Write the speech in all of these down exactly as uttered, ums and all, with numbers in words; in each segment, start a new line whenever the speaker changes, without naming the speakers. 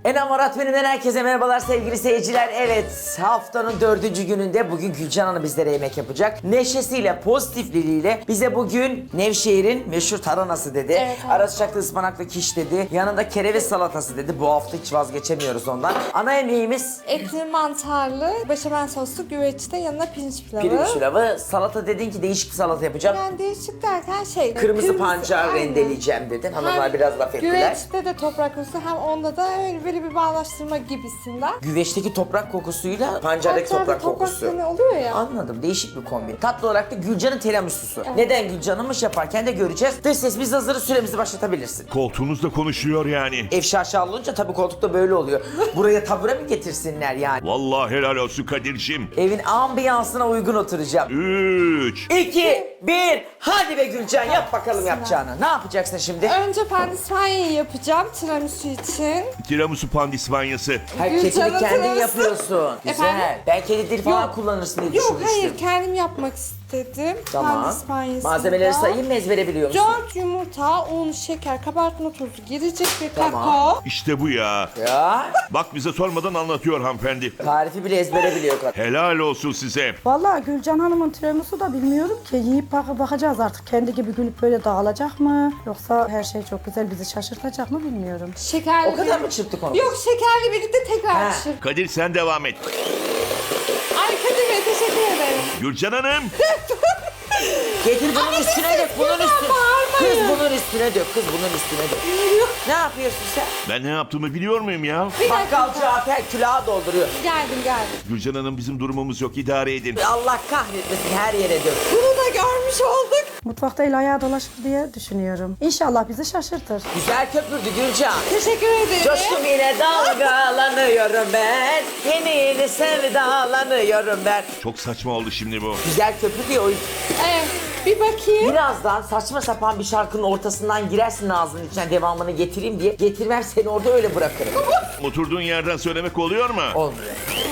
Enamorat Menü'den herkese merhabalar sevgili seyirciler. Evet, haftanın dördüncü gününde bugün Gülcan Hanım bizlere yemek yapacak. Neşesiyle, pozitifliğiyle bize bugün Nevşehir'in meşhur taranası dedi.
Evet, evet.
Ara sıcaklı ıspanaklı kiş dedi. Yanında kereviz salatası dedi. Bu hafta hiç vazgeçemiyoruz ondan. Ana yemeğimiz
Etli mantarlı, beşamel soslu güveçte yanına pirinç pilavı.
pirinç pilavı. Salata dedin ki değişik bir salata yapacağım.
Yani değişik derken şey...
Kırmızı, pancar
aynen.
rendeleyeceğim dedin. Hanımlar
Hem
biraz laf ettiler.
Güveçte de toprak kokusu hem onda da öyle böyle bir bağlaştırma gibisinden.
Güveçteki toprak kokusuyla pancardaki
Pancarda
toprak kokusu.
tonu oluyor ya.
Anladım. Değişik bir kombin. Tatlı olarak da Gülcan'ın tiramisusu. Neden Gülcan'ınmış yaparken de göreceğiz. Dış ses biz hazırız, süremizi başlatabilirsin.
Koltuğunuzda konuşuyor yani.
Ev şaşalı olunca tabii koltukta böyle oluyor. Buraya tabure mi getirsinler yani?
Vallahi helal olsun Kadir'cim.
Evin ambiyansına uygun oturacağım.
Üç.
İki, bir, hadi be Gülcan yap bakalım yapacağını. Ne yapacaksın şimdi?
Önce pandispanyayı yapacağım tiramisu için.
Tiramisu pandispanyası.
Her
Gülcan'ın
kekini kendin
tiramisu.
yapıyorsun. Güzel.
Efendim?
Ben kedi dil falan
Yok.
kullanırsın diye
Yok
düşünmüştüm.
hayır kendim yapmak istedim.
Tamam.
Pandispanyasını
Malzemeleri
da.
sayayım mı, ezbere biliyor musun?
Dört yumurta, un, şeker, kabartma tozu girecek ve
Tamam.
kakao.
İşte bu ya.
Ya
Bak bize sormadan anlatıyor hanımefendi.
tarifi bile ezbere biliyor kadın.
Helal olsun size.
Vallahi Gülcan Hanım'ın tiramisu da bilmiyorum ki. Yiyip bak bakacağız artık. Kendi gibi gülüp böyle dağılacak mı? Yoksa her şey çok güzel bizi şaşırtacak mı bilmiyorum.
Şekerli
O kadar
bir-
mı çırptık onu?
Yok şekerli birlikte tekrar
Ha.
pişir.
Kadir sen devam et.
Ay Kadir Bey teşekkür ederim.
Gülcan Hanım.
Getir bunun
Ama
üstüne
biz
dök, bunun
lütfen
üstüne.
bağırmayın.
Kız bunun üstüne dök, kız bunun üstüne dök. Ne yapıyorsun sen?
Ben ne yaptığımı biliyor muyum ya?
Bir
Bakkal
dakika.
Cafer külaha dolduruyor.
Geldim geldim.
Gülcan Hanım bizim durumumuz yok, idare edin.
Allah kahretmesin, her yere dök.
Bunu da görmüş olduk.
Mutfakta el ayağı dolaşır diye düşünüyorum. İnşallah bizi şaşırtır.
Güzel köpürdü Gülcan.
Teşekkür ederim.
Coştum yine dalgalanıyorum ben. Yeni yeni sevdalanıyorum ben.
Çok saçma oldu şimdi bu.
Güzel köpürdü ya o yüzden.
Evet, bir bakayım.
Birazdan saçma sapan bir şarkının ortasından girersin ağzının içine devamını getireyim diye. Getirmem seni orada öyle bırakırım.
Oturduğun yerden söylemek oluyor mu?
Olmuyor.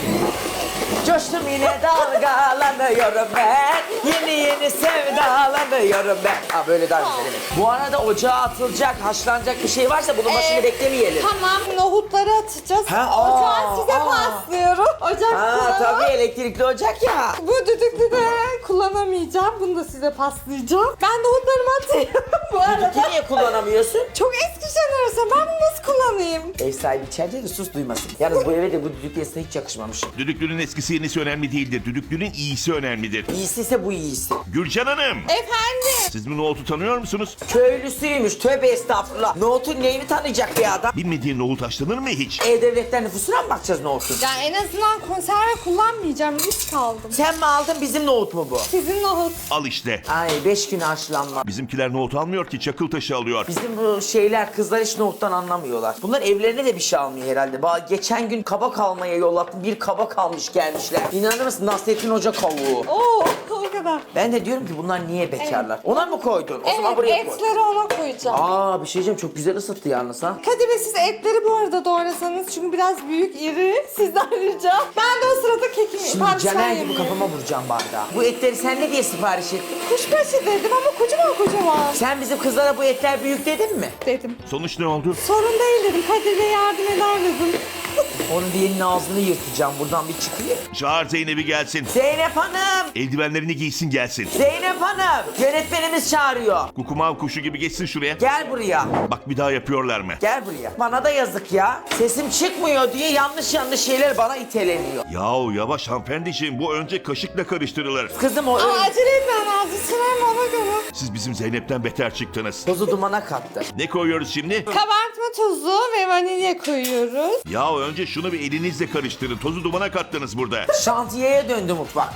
Coştum yine dalgalanıyorum ben. Yeni yeni sevdalanıyorum ben. Ha böyle daha güzel evet. Bu arada ocağa atılacak, haşlanacak bir şey varsa bunun başını
Ee,
beklemeyelim.
Tamam, nohutları atacağız.
Ha, aa,
Ocağı size
aa.
paslıyorum. Ocakta.
Ha tabii elektrikli ocak ya.
Bu düdüklü de kullanamayacağım. Bunu da size paslayacağım. Ben nohutlarımı atayım. Bu arada.
Düdüklü niye kullanamıyorsun?
Çok eski jenerasyon. Ben bunu nasıl kullanayım?
Ev sahibi içeride de sus duymasın. Yalnız bu eve de bu düdüklü yasına hiç yakışmamış.
Düdüklünün eskisi yenisi önemli değildir. Düdüklünün iyisi önemlidir.
İyisi ise bu iyisi.
Gülcan Hanım.
Efendim.
Siz bu nohutu tanıyor musunuz?
Köylüsüymüş, tövbe estağfurullah. Nohutun neyini tanıyacak bir adam?
Bilmediğin nohut haşlanır mı hiç?
E-Devlet'ten nüfusuna mı bakacağız nohutun?
Ya en azından konserve kullanmayacağım. Risk aldım.
Sen mi aldın bizim nohut mu bu?
Sizin nohut.
Al işte.
Ay beş gün haşlanma.
Bizimkiler nohut almıyor ki, çakıl taşı alıyor.
Bizim bu şeyler kızlar hiç nohuttan anlamıyorlar. Bunlar evlerine de bir şey almıyor herhalde. Ba geçen gün kabak almaya yollattım. Bir kabak almış gelmişler. İnanır mısın Nasrettin Hoca kavuğu.
Oo, o kadar.
Ben de diyorum ki bunlar niye bekarlar? Ona mı koydun? O zaman
Evet,
buraya koy.
etleri ona koyacağım.
Aa bir şey diyeceğim çok güzel ısıttı yalnız ha.
Kadir Bey siz etleri bu arada doğrasanız çünkü biraz büyük, iri. Sizden ricam. Ben de o sırada kekimi,
Şimdi
pandispanya
Caner gibi
yapıyorum.
kafama vuracağım bardağı. Bu etleri sen ne diye sipariş ettin?
Kuşbaşı dedim ama kocaman kocaman
Sen bizim kızlara bu etler büyük dedin mi?
dedim.
Sonuç ne oldu?
Sorun değil dedim. Kadir Bey yardım eder dedim.
Onun diğerinin ağzını yırtacağım buradan bir çıkayım.
Çağır Zeynep'i gelsin.
Zeynep Hanım!
Eldivenlerini giysin gelsin.
Zeynep Hanım! Yönetmenimiz çağırıyor.
Kukumav kuşu gibi geçsin şuraya.
Gel buraya.
Bak bir daha yapıyorlar mı?
Gel buraya. Bana da yazık ya. Sesim çıkmıyor diye yanlış yanlış şeyler bana iteleniyor.
Yahu yavaş hanımefendiciğim, bu önce kaşıkla karıştırılır.
Kızım o
Aa,
öyle
acele etmem lazım. Sırayım ona göre.
Siz bizim Zeynep'ten beter çıktınız.
tozu dumana kattı.
Ne koyuyoruz şimdi?
Kabartma tozu ve vanilya koyuyoruz.
Yahu önce şunu bir elinizle karıştırın. Tozu dumana kattınız burada.
Şantiyeye döndü mutfak.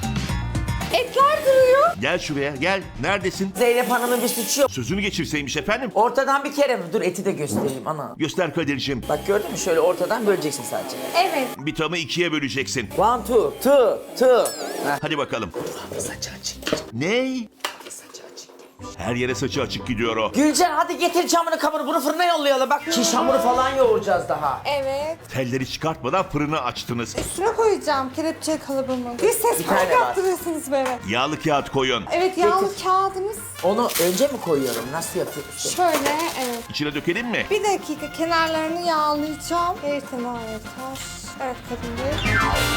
Etler duruyor.
Gel şuraya gel. Neredesin?
Zeynep Hanım'ın bir suçu yok.
Sözünü geçirseymiş efendim.
Ortadan bir kere mi? Dur eti de göstereyim ana.
Göster Kadir'cim.
Bak gördün mü? Şöyle ortadan böleceksin sadece.
Evet.
Bir tamı ikiye böleceksin.
One, two, two, two. Heh.
Hadi bakalım.
Saçı açık.
Ne?
Saçı açık.
Her yere saçı açık gidiyor o.
Gülcan hadi getir camını kabını bunu fırına yollayalım. Bak kiş hamuru falan yoğuracağız daha.
Evet.
Telleri çıkartmadan fırını açtınız.
Üstüne koyacağım kelepçe kalıbımı. Bir ses
Bir
fark
tane var.
yaptırıyorsunuz böyle.
Yağlı kağıt koyun.
Evet yağlı kağıdımız
Onu önce mi koyuyorum? Nasıl yapıyorsun?
şöyle evet.
İçine dökelim mi?
Bir dakika kenarlarını yağlayacağım. Bir tane yeter. Evet Kadir Bey.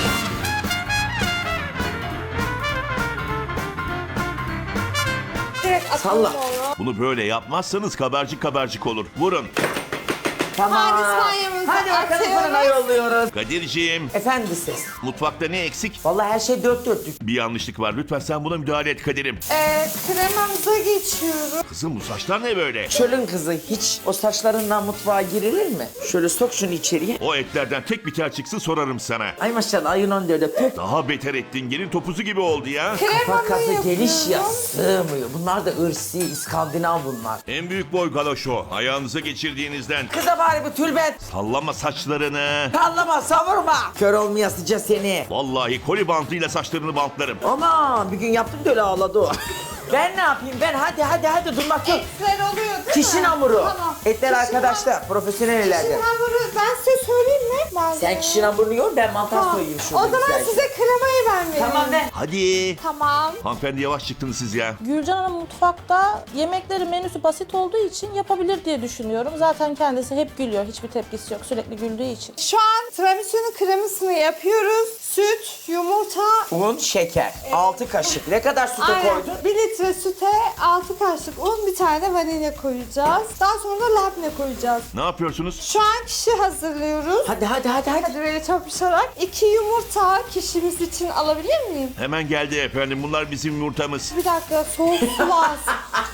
Direkt atalım
Salla.
onu.
Bunu böyle yapmazsanız kabarcık kabarcık olur. Vurun.
Tamam.
Hadi İspanya'mızı
Hadi bakalım
atıyoruz.
fırına yolluyoruz.
Kadir'ciğim,
Efendi ses.
mutfakta ne eksik?
Vallahi her şey dört dörtlük.
Bir yanlışlık var. Lütfen sen buna müdahale et Kadir'im.
Ee, kremamıza geçiyorum.
Kızım bu saçlar ne böyle?
Çölün kızı hiç o saçlarından mutfağa girilir mi? Şöyle sok şunu içeriye.
O etlerden tek bir tel çıksın sorarım sana.
Ay maşallah ayın on dörde pöp.
Daha beter ettin. Gelin topuzu gibi oldu ya.
Kafa
Kremamı
kafa
yapıyorum.
geniş ya sığmıyor. Bunlar da ırsi, İskandinav bunlar.
En büyük boy galoş o. Ayağınıza geçirdiğinizden.
Kıza bari bu tülbent.
Sallama saçlarını.
Sallama savurma. Kör olmayasıca seni.
Vallahi koli bantıyla saçlarını bantlarım.
Aman bir gün yaptım da öyle ağladı o. Ben ne yapayım ben hadi hadi hadi durmak yok.
Etler oluyor değil mi?
Kişinin hamuru.
Tamam.
Etler
Kişinin
arkadaşlar profesyonel
Kişinin
ellerde.
hamuru ben size söyleyeyim mi? Malzemeyi.
Sen kişinin hamurunu yoğur ben mantar
Tamam.
soyayım
O
şurada
zaman
güzelce.
size kremayı ben vereyim.
Tamam ben.
Hadi.
Tamam.
Hanımefendi yavaş çıktınız siz ya.
Gülcan Hanım mutfakta yemekleri menüsü basit olduğu için yapabilir diye düşünüyorum. Zaten kendisi hep gülüyor. Hiçbir tepkisi yok. Sürekli güldüğü için.
Şu an tiramisu'nun kremasını yapıyoruz. Süt, yumurta,
Un, şeker. altı kaşık. Ne kadar süte
aynen.
koydun?
bir litre süte altı kaşık un, bir tane de vanilya koyacağız. Daha sonra da labne koyacağız.
Ne yapıyorsunuz?
Şu an kişi hazırlıyoruz.
Hadi hadi hadi hadi.
Hadi böyle çarpışarak. iki yumurta kişimiz için alabilir miyim?
Hemen geldi efendim. Bunlar bizim yumurtamız.
Bir dakika soğuk su lazım.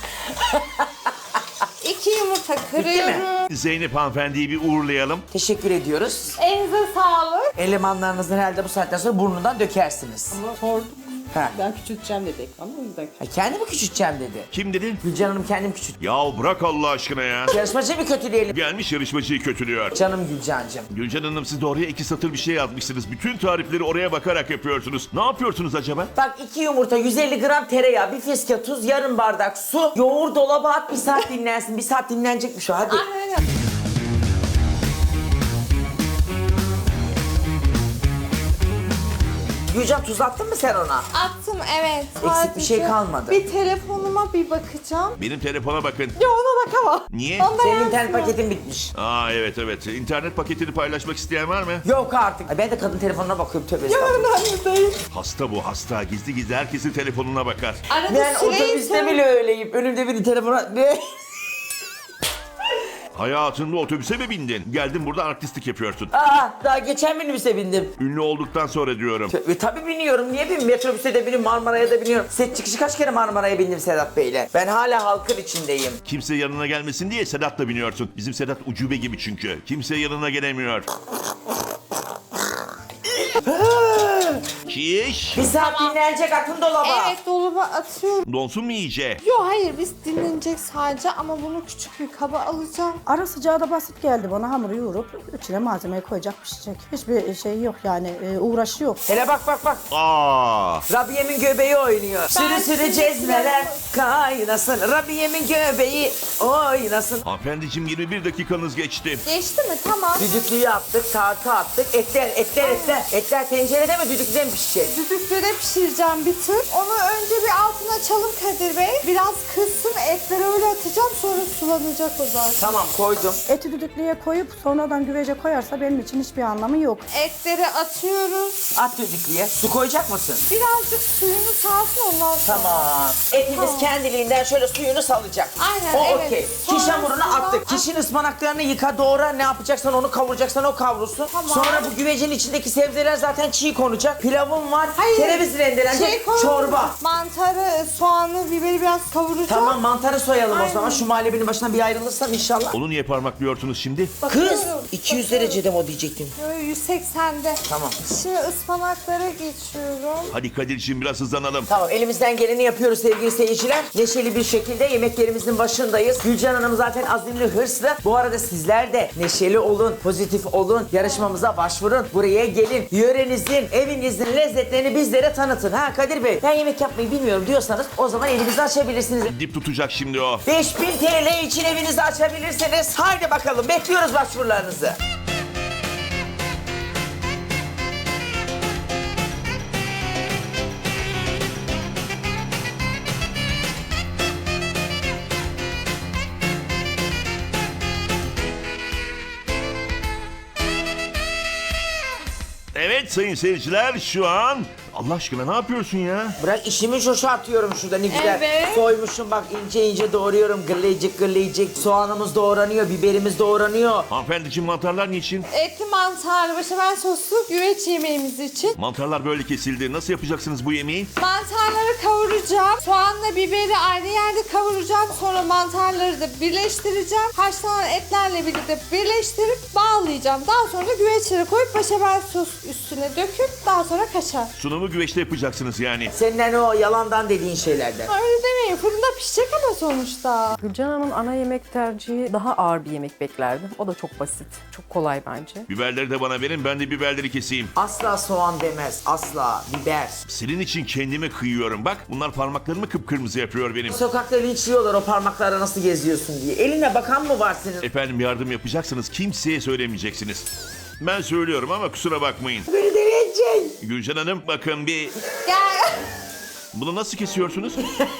İki yumurta
mi?
kırıyorum.
Zeynep hanımefendiyi bir uğurlayalım.
Teşekkür ediyoruz.
Elinize sağlık.
Elemanlarınızı herhalde bu saatten sonra burnundan dökersiniz.
Sordum.
Ha.
Ben küçülteceğim dedi ekranı o yüzden.
Ha, kendi mi küçülteceğim dedi.
Kim dedi?
Gülcan Hanım kendim küçült.
Ya bırak Allah aşkına ya.
Yarışmacı mı kötüleyelim?
Gelmiş yarışmacıyı kötülüyor.
Canım Gülcancığım.
Gülcan Hanım siz de oraya iki satır bir şey yazmışsınız. Bütün tarifleri oraya bakarak yapıyorsunuz. Ne yapıyorsunuz acaba?
Bak iki yumurta, yüz elli gram tereyağı, bir fiske tuz, yarım bardak su. Yoğur dolaba at bir saat dinlensin. Bir saat dinlenecekmiş o hadi.
Aynen.
Gülcan tuz attın mı sen ona?
Attım evet.
Eksik bir şey
Sadece
kalmadı.
Bir telefonuma bir bakacağım.
Benim telefona bakın.
Ya ona bakamam.
Niye?
Onda
Senin
yansıyor.
internet paketin bitmiş.
Aa evet evet. İnternet paketini paylaşmak isteyen var mı?
Yok artık. Ay, ben de kadın telefonuna bakıyorum tövbe
Ya
estağfurullah.
önemli değil.
Hasta bu hasta. Gizli gizli herkesin telefonuna bakar.
Arada
Ben otobüste
sileyim.
bile öyleyim. Önümde biri telefona... Ne?
Hayatında otobüse mi bindin? Geldin burada artistlik yapıyorsun.
Aa, daha geçen minibüse bindim.
Ünlü olduktan sonra diyorum.
Tabii, tabii biniyorum. Niye binmiyorum? Metrobüse de biniyorum, Marmara'ya da biniyorum. Set çıkışı kaç kere Marmara'ya bindim Sedat Bey'le. Ben hala halkın içindeyim.
Kimse yanına gelmesin diye Sedat'la biniyorsun. Bizim Sedat ucube gibi çünkü. Kimse yanına gelemiyor. Kiş.
Bir saat dinlenecek atın dolaba.
Evet dolaba atıyorum.
Donsun mu iyice?
Yok hayır biz dinlenecek sadece ama bunu küçük bir kaba alacağım.
Ara sıcağı da basit geldi bana. Hamuru yoğurup içine malzemeyi koyacak, pişecek. Hiçbir şey yok yani, e, uğraşı yok.
Hele bak bak bak.
Aa.
Rabiye'min göbeği oynuyor. Sürü sürü
şimdi
cezveler
yanıma-
kaynasın. Rabiye'min göbeği oynasın.
Hanımefendiciğim yirmi bir dakikanız geçti.
Geçti mi? Tamam.
Düdüklüyü attık, tartı attık. Etler, etler, etler. Etler tencerede mi düdüklüde mi pişecek?
Düdüklüde pişireceğim bir tür. Onu önce bir altına açalım Kadir Bey. Biraz kızsın etleri öyle atacağım sonra sulanacak o zaten.
Tamam koydum.
Eti düdüklüye koyup sonradan güvece koyarsa benim için hiçbir anlamı yok.
Etleri atıyoruz.
At düdüklüye. Su koyacak mısın?
Birazcık suyunu salsın ondan sonra.
Tamam. Etimiz
Tamam.
kendiliğinden şöyle suyunu salacak.
Aynen,
O
evet.
okey.
Sonra
Kiş hamurunu
sonra-
attık. Kişin ıspanaklarını yıka doğra. Ne yapacaksan onu kavuracaksan o kavrulsun.
Tamam.
Sonra bu güvecin içindeki sebzeler zaten çiğ konacak. Pilavım var.
Hayır.
Kereviz rendelenecek.
Şey koy-
Çorba.
Mantarı, soğanı, biberi biraz kavuracağım.
Tamam mantarı soyalım o
Aynen.
zaman. Şu muhallebinin başına bir ayrılırsam inşallah.
Onu niye parmaklıyorsunuz şimdi?
Kız
Bakıyorum,
iki yüz
bakıyorum.
derecede mi o diyecektim.
Böyle yüz seksende.
Tamam.
Şimdi ıspanaklara geçiyorum.
Hadi Kadir'ciğim biraz hızlanalım.
Tamam elimizden geleni yapıyoruz sevgili seyirciler. Neşeli bir şekilde yemeklerimizin başındayız. Gülcan Hanım zaten azimli, hırslı. Bu arada sizler de neşeli olun, pozitif olun. Yarışmamıza başvurun. Buraya gelin. Yörenizin, evinizin lezzetlerini bizlere tanıtın. Ha Kadir Bey ben yemek yapmayı bilmiyorum. bilmiyorum diyorsanız o zaman evinizi açabilirsiniz.
Dip tutacak şimdi o.
beş bin T L için evinizi açabilirsiniz. Haydi bakalım bekliyoruz başvurularınızı.
Evet sayın seyirciler şu an... Allah aşkına ne yapıyorsun ya?
Bırak işimi çoşaltıyorum şurada ne güzel.
Evet.
Soymuşum bak ince ince doğruyorum. Gırlayıcık gırlayıcık. Soğanımız doğranıyor, biberimiz doğranıyor.
Hanımefendiciğim mantarlar niçin?
Etli mantarlı beşamel soslu güveç yemeğimiz için.
Mantarlar böyle kesildi. Nasıl yapacaksınız bu yemeği?
Mantarları kavuracağım. Soğanla biberi aynı yerde kavuracağım. Sonra mantarları da birleştireceğim. Haşlanan etlerle birlikte birleştirip bağlayacağım. Daha sonra da güveçlere koyup beşamel sos üstüne döküp daha sonra kaşar.
Sunumu güveçte yapacaksınız yani.
Senin o yalandan dediğin şeylerden.
Öyle demeyin. Fırında pişecek ama sonuçta.
Gülcan Hanım'ın ana yemek tercihi daha ağır bir yemek beklerdim. O da çok basit, çok kolay bence.
Biberleri de bana verin, ben de biberleri keseyim.
Asla soğan demez. Asla biber.
Senin için kendime kıyıyorum. Bak bunlar parmaklarımı kıpkırmızı yapıyor benim.
Sokakta linçliyorlar o parmaklarla nasıl geziyorsun diye. Eline bakan mı var senin?
Efendim yardım yapacaksınız, kimseye söylemeyeceksiniz. Ben söylüyorum ama kusura bakmayın.
Beni deneyecek.
Gülcan Hanım bakın bir...
Gel.
Bunu nasıl kesiyorsunuz?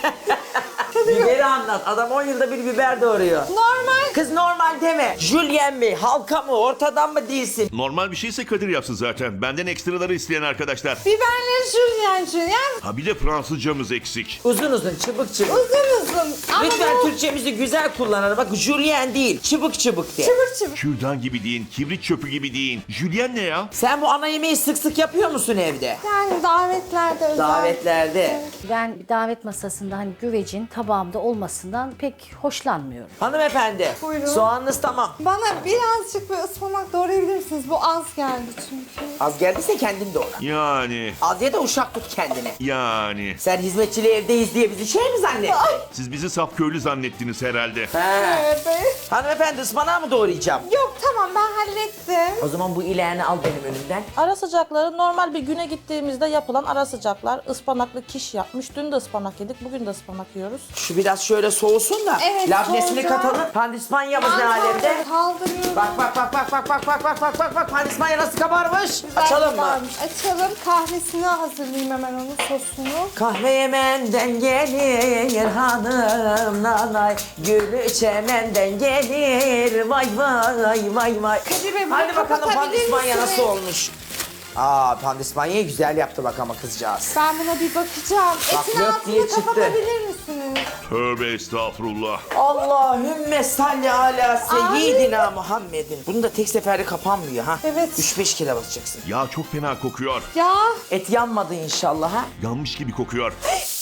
Biberi anlat. Adam on yılda bir biber doğuruyor.
Normal.
Kız normal deme. Jülyen mi? Halka mı? Ortadan mı değilsin?
Normal bir şeyse Kadir yapsın zaten. Benden ekstraları isteyen arkadaşlar.
Biberleri jülyen jülyen.
Ha bir de Fransızcamız eksik.
Uzun uzun, çıbık çıbık.
Uzun uzun. Ama
Lütfen
bu
Türkçemizi güzel kullanalım. Bak jülyen değil, çıbık çıbık de.
çıbık çıbık.
Kürdan gibi deyin, kibrit çöpü gibi deyin. Jülyen ne ya?
Sen bu ana yemeği sık sık yapıyor musun evde?
Yani davetlerde özel.
Davetlerde.
Ben bir davet masasında hani güvecin tabağımda olmasından pek hoşlanmıyorum.
Hanımefendi,
Buyurun.
soğanınız tamam.
Bana birazcık bir ıspanak doğrayabilir misiniz? Bu az geldi çünkü.
Az geldiyse kendin doğra.
Yani,
Az ya da uşak tut kendine.
yani.
Sen hizmetçili evdeyiz diye bizi şey mi zannettin?
Siz bizi saf köylü zannettiniz herhalde.
He.
Evet.
Hanımefendi ıspanağı mı doğrayacağım?
Yok tamam ben hallettim.
O zaman bu ileğini al benim önümden.
Ara sıcakları normal bir güne gittiğimizde yapılan ara sıcaklar. Ispanaklı kiş yapmış. Dün de ıspanak yedik, bugün de ıspanak yiyoruz.
Şu biraz şöyle soğusun da
Evet,
labnesini
soğuyacak.
katalım. Pandispanyamız ne alemde?
Kaldırıyorum.
Bak bak bak bak bak bak bak bak bak bak bak pandispanya nasıl kabarmış?
Güzel
Açalım mı?
varmış. Açalım. Kahvesini hazırlayayım hemen onun sosunu.
Kahve Yemen'den gelir hanım nanay. Gülü çemenden gelir vay vay vay vay.
Kadir Bey, bunu
Hadi bakalım
kapatabilir
pandispanya
misiniz?
nasıl olmuş? Aa pandispanyayı güzel yaptı bak ama kızcağız.
Ben buna bir bakacağım.
Bak,
Etin
lök diye
altını
çıktı.
kapatabilir misiniz?
Tövbe estağfurullah.
Allahümme salli ala seyyidina Muhammedin. Bunun da tek seferde kapanmıyor ha.
Evet.
üç beş kere basacaksın.
Ya çok fena kokuyor.
Ya.
Et yanmadı inşallah ha.
Yanmış gibi kokuyor.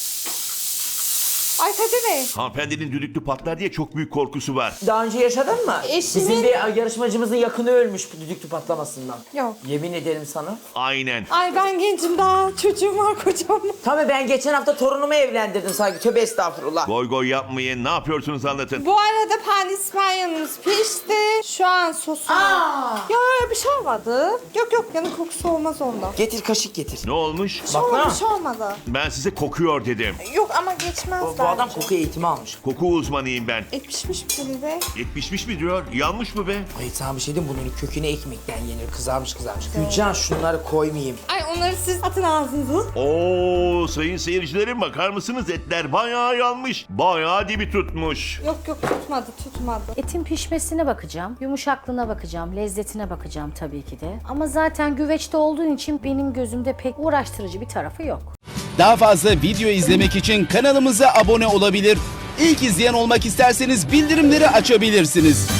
Ay Kadir Bey.
Hanımefendinin düdüklü patlar diye çok büyük korkusu var.
Daha önce yaşadın mı?
Eşimin-
Bizim bir yarışmacımızın yakını ölmüş bu düdüklü patlamasından.
Yok.
Yemin ederim sana.
Aynen.
Ay ben gencim daha. Çocuğum var kocam.
Tabii ben geçen hafta torunumu evlendirdim sanki. Tövbe estağfurullah.
Goy goy yapmayın. Ne yapıyorsunuz anlatın.
Bu arada pandispanyamız pişti. Şu an sosu.
Aa!
Ya öyle bir şey olmadı. Yok yok yanık kokusu olmaz ondan.
Getir kaşık getir.
Ne olmuş?
Bir şey
Bak
olmadı,
lan.
bir şey olmadı.
Ben size kokuyor dedim.
Yok ama geçmez
Bu,
bence.
bu adam koku eğitimi almış.
Koku uzmanıyım ben.
Et pişmiş bir de.
Et pişmiş mi diyor? Yanmış mı be?
Hayır sana bir şey diyeyim bunun köküne ekmekten yenir. Kızarmış kızarmış. Gülcan şunları koymayayım.
Ay onları siz atın ağzınıza.
Oo sayın seyircilerim bakar mısınız? Etler bayağı yanmış. Bayağı dibi tutmuş.
Yok yok tutmadı tutmadı.
Etin pişmesine bakacağım, yumuşaklığına bakacağım, lezzetine bakacağım tabii ki de. Ama zaten güveçte olduğu için benim gözümde pek uğraştırıcı bir tarafı yok.
Daha fazla video izlemek için kanalımıza abone olabilir. İlk izleyen olmak isterseniz bildirimleri açabilirsiniz.